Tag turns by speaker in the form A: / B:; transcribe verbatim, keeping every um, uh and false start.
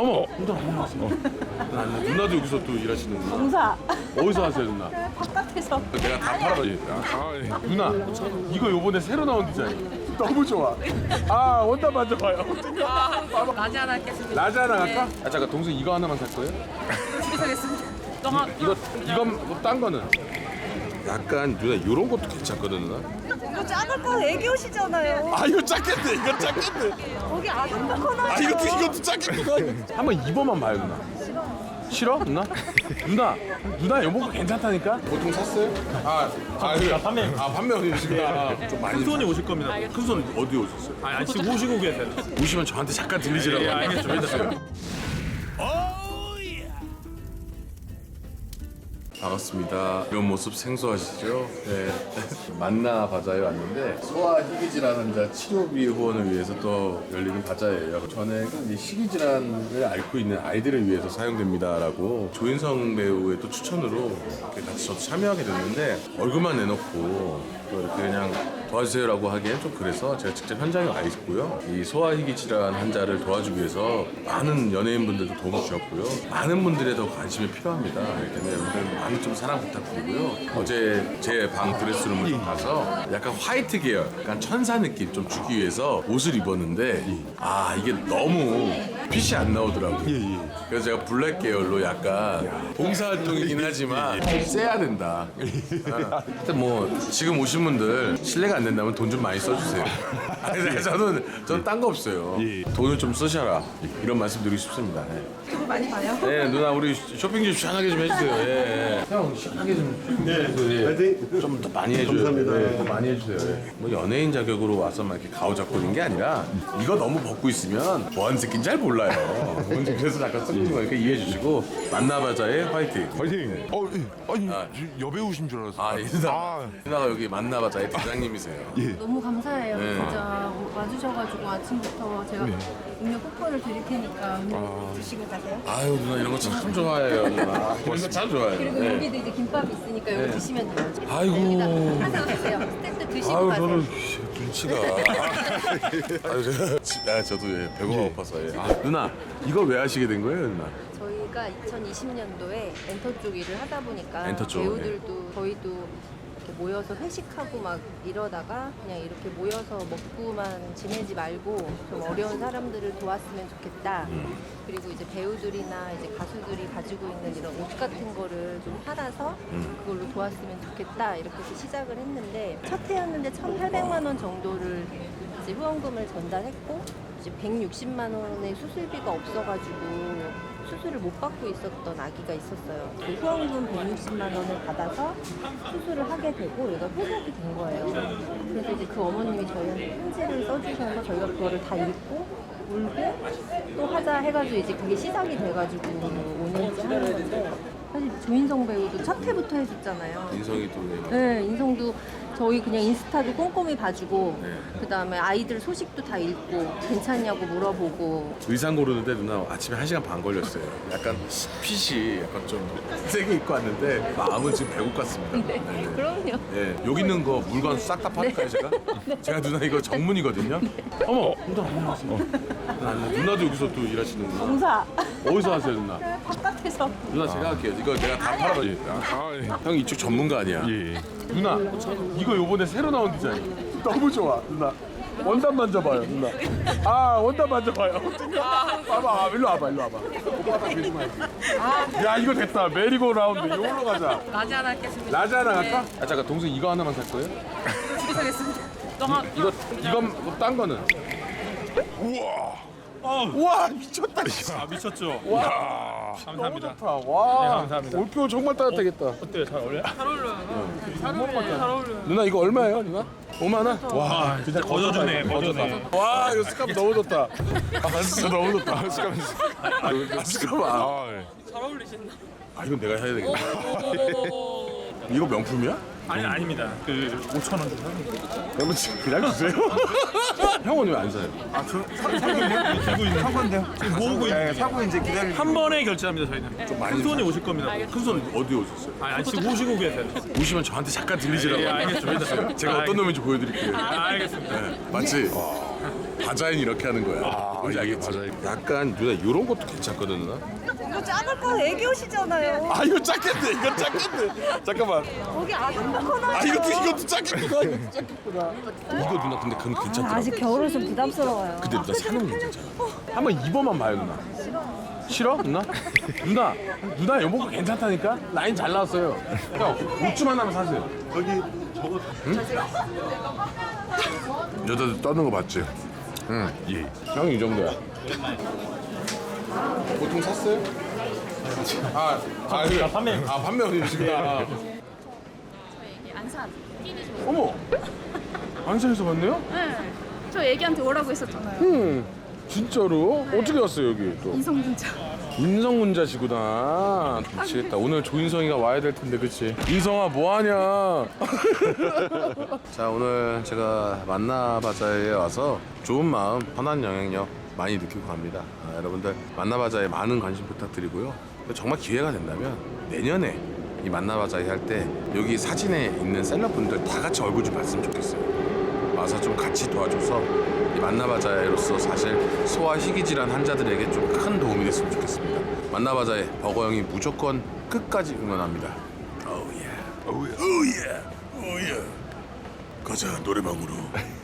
A: 어머, 누나 못 봤어. 누나, 누나도 여기서 또 일하시는 거야?
B: 공사.
A: 어디서 하세요, 누나?
B: 바깥에서.
A: 내가 다 팔아드릴게요. 아, 예. 누나, 이거 요번에 새로 나온 디자인. 너무 좋아. 아, 원단 만져봐요.
B: 라지 하나 겠습니다.
A: 라지 하나 갈까? 아, 잠깐, 동생 이거 하나만 살 거예요?
B: 하겠습니다.
A: 이, 이거, 이건, 뭐, 딴 거는? 약간, 누나, 요런 것도 괜찮거든, 누나?
B: 이거 작을 거 애기 옷이잖아요.
A: 아, 이거 작겠네, 이거 작겠네.
B: 거기 아줌마 코너요.
A: 아, 이것도, 이것도 작겠네. 한번 입어만 봐요, 누나. 싫어? 누나? 누나, 누나 여보가 괜찮다니까? 보통 샀어요? 아, 아, 그래.
C: 판매.
A: 아, 판매 오시구나. 좀 많이.
C: 큰 손이 오실 겁니다.
A: 큰 손 어디 오셨어요?
C: 아니, 아니 지금 오시고 계세요.
A: 오시면 저한테 잠깐 들리시라고.
C: 예, 알겠습니다.
A: 반갑습니다. 이런 모습 생소하시죠? 네. 만나 바자에 왔는데 소아 희귀질환 환자 치료비 후원을 위해서 또 열리는 바자예요. 전에는 이 희귀질환을 앓고 있는 아이들을 위해서 사용됩니다라고 조인성 배우의 또 추천으로 이렇게 같이 저도 참여하게 됐는데 얼굴만 내놓고 또 이렇게 그냥 도와주세요라고 하기엔 좀 그래서 제가 직접 현장에 와 있고요. 이 소아희귀 질환 환자를 도와주기 위해서 많은 연예인분들도 도움을 주셨고요. 많은 분들의 더 관심이 필요합니다. 그렇기 때문에 여러분들 많은 좀 사랑 부탁드리고요. 어제 제 방 드레스룸을 좀 가서 약간 화이트 계열, 약간 천사 느낌 좀 주기 위해서 옷을 입었는데 아 이게 너무 빛이 안 나오더라고요. 그래서 제가 블랙 계열로 약간 봉사활동이긴 하지만 세야 된다. 아, 하여튼 뭐 지금 오신 분들 실례가 안 된다면 돈 좀 많이 써주세요. 아니, 저는 저는 딴 거 없어요. 돈을 좀 쓰셔라 이런 말씀 드리고 싶습니다. 네.
B: 유튜브 많이 봐요?
A: 네 누나 우리 쇼핑 좀 시원하게 좀 해주세요. 예. 형 시원하게 좀 네. 좀 더 많이 해줘요. 감사합니다. 네, 더 많이 해주세요. 예. 뭐 연예인 자격으로 와서 막 이렇게 가오 잡고 있는 게 아니라 이거 너무 벗고 있으면 뭐하는 새끼인지 잘 몰라요. 그래서 잠깐 쓰는 거니까 이해해 주시고 만나바자의 화이팅.
D: 화이팅! 어, 예. 아니, 저 여배우신 줄 알았어요.
A: 아, 이 누나.
D: 아.
A: 누나가 여기 만나바자의 대장님이세요.
B: 너무 감사해요.
A: 네.
B: 진짜 와주셔가지고 아침부터 제가 음료 쿠폰을 드릴 테니까 음료
A: 아.
B: 드시고 가세요.
A: 아유, 누나 이런 거 참 좋아해요, 누나. 이런 거 참 좋아해요.
B: 그리고
A: 네.
B: 여기도 이제 김밥이 있으니까 이거 드시면 돼요.
A: 아이고.
B: 여기다 항상 드세요. 스태프들 드시고
A: 아유,
B: 가세요.
A: 저는 눈치가. 아유, 제가, 지- 아, 저도 예, 배고가 고파서. 예. 아, 누나, 이걸 왜 하시게 된 거예요, 누나?
E: 저희가 이천이십 년도에 엔터 쪽 일을 하다 보니까
A: 엔터 쪽,
E: 배우들도 저희도 이렇게 모여서 회식하고 막 이러다가 그냥 이렇게 모여서 먹고만 지내지 말고 좀 어려운 사람들을 도왔으면 좋겠다.
A: 음.
E: 그리고 이제 배우들이나 이제 가수들이 가지고 있는 이런 옷 같은 거를 좀 팔아서
A: 음.
E: 그걸로 도왔으면 좋겠다. 이렇게 해서 시작을 했는데 첫 해였는데 천팔백만 원 정도를 이제 후원금을 전달했고 이제 백육십만 원의 수술비가 없어가지고 수술을 못 받고 있었던 아기가 있었어요. 그 후원금 백육십만 원을 받아서 수술을 하게 되고 얘가 회복이 된 거예요. 그래서 이제 그 어머님이 저희한테 편지를 써주셔서 저희가 그거를 다 읽고 울고 또 하자 해가지고 이제 그게 시작이 돼가지고 오 년째 하는 건데 사실 조인성 배우도 첫 회부터 해줬잖아요.
A: 인성이 또. 왜.
E: 네, 인성도 저희 그냥 인스타도 꼼꼼히 봐주고
A: 네.
E: 그 다음에 아이들 소식도 다 읽고 괜찮냐고 물어보고
A: 의상 고르는데 누나 아침에 한 시간 반 걸렸어요. 약간 핏이 약간 좀 세게 입고 왔는데 마음은 지금 배고 같습니다.
E: 네, 그럼요.
A: 예, 여기 있는 거 물건 싹 다 팔까요, 제가? 제가 누나 이거 전문이거든요. 어머, 누나 못 봤어. 누나, 누나도 여기서 또 일하시는 거야?
B: 공사.
A: 어디서 하세요, 누나?
B: 바깥에서.
A: 누나 제가 할게요. 이거 내가 다 팔아드릴게요.
D: 아, 예.
A: 형 이쪽 전문가 아니야?
D: 예.
A: 누나, 이거 요번에 새로 나온 디자인. 너무 좋아, 누나. 원단 만져봐요, 누나. 아, 원단 만져봐요. 봐봐, 일로 와봐, 일로 와봐. 야, 이거 됐다. 메리고 라운드. 이걸로 가자.
B: 라지 하나 겠습니다.
A: 라지 하나 갈까? 아, 잠깐, 동생 이거 하나만 살 거예요?
B: 하겠습니다.
A: 이, 이거, 이건, 뭐, 딴 거는?
D: 우와!
A: 와, 미쳤다.
C: 아 미쳤죠?
A: 와, 너무
C: 감사합니다.
A: 좋다. 와,
C: 네, 감사합니다.
A: 올표 정말 따뜻하겠다.
C: 어때요? 잘 어울려요?
A: 누나 이거 얼마예요, 누나? 오만 원? 와,
C: 진짜 거저주네, 거저네.
A: 와, 이거 스카프 너무 좋다. 아, 진짜 너무 좋다. 스카프. 아, 스카프. 아,
D: 아, 예.
A: 아, 이건 내가 해야 되겠네. 이거 명품이야?
C: 아니 아닙니다. 그 오천 원 주고
A: 여러분 지금 그냥 주세요. 형은 왜 안 사요?
C: 들고 있는 사고인데요. 지금 모으고 있는 사고 이제 기다리. 한 번에 결제합니다 저희는. 좀
A: 많이
C: 큰 손이 오실 겁니다.
A: 큰 손 어디 오셨어요?
C: 아니, 아니 지금 오시고 계세요.
A: 오시면 저한테 잠깐 들리시라고.
C: 예, 알겠습니다.
A: 제가 어떤 놈인지 보여드릴게요.
C: 아, 알겠습니다.
A: 네, 맞지? 바자회는 이렇게 하는 거야.
D: 아,
A: 뭔지
D: 이게
A: 알겠지?
D: 바자회.
A: 약간 누나 이런 것도 괜찮거든 누나.
B: 이거 작을 거 애기옷이잖아요.
A: 아 이거 작겠네. 이거 작겠네. 잠깐만.
B: 거기 아줌마 코너.
A: 아 이것도 이것도 작겠구나. 이것도 작겠구나. 이거 누나 근데 그건 괜찮더라.
B: 아직 겨울은 좀 부담스러워요.
A: 근데 누나 사는 거 괜찮잖아. 한번 입어만 봐요 누나. 싫어? 누나? 누나 누나 여보가 괜찮다니까? 라인 잘 나왔어요. 형 옷 좀 하나만 사세요.
D: 여기 저거
A: 여자들 떠는 거 봤지? 응. 예. 형이 이 정도야. 보통 샀어요? 아, 아, 그래.
C: 판매.
A: 아, 판매 어디시구나.
F: 안산 끼니 좀.
A: 어머. 안산에서 봤네요?
F: 네. 저 애기한테 오라고 했었잖아요.
A: 응. 진짜로? 어떻게 왔어요 여기 또?
F: 이성분자.
A: 인성문자시구나. 미치겠다. 오늘 조인성이가 와야 될 텐데, 그치? 인성아, 뭐하냐? 자, 오늘 제가 만나바자에 와서 좋은 마음, 편한 영향력 많이 느끼고 갑니다. 아, 여러분들, 만나바자에 많은 관심 부탁드리고요. 정말 기회가 된다면 내년에 이 만나바자에 할 때 여기 사진에 있는 셀럽분들 다 같이 얼굴 좀 봤으면 좋겠어요. 와서 좀 같이 도와줘서 이 만나바자에로서 사실 소아 희귀질환 환자들에게 좀 큰 도움이 됐으면 좋겠습니다. 만나바자에 버거형이 무조건 끝까지 응원합니다. 오예, 오예, 오예, 오예. 가자 노래방으로.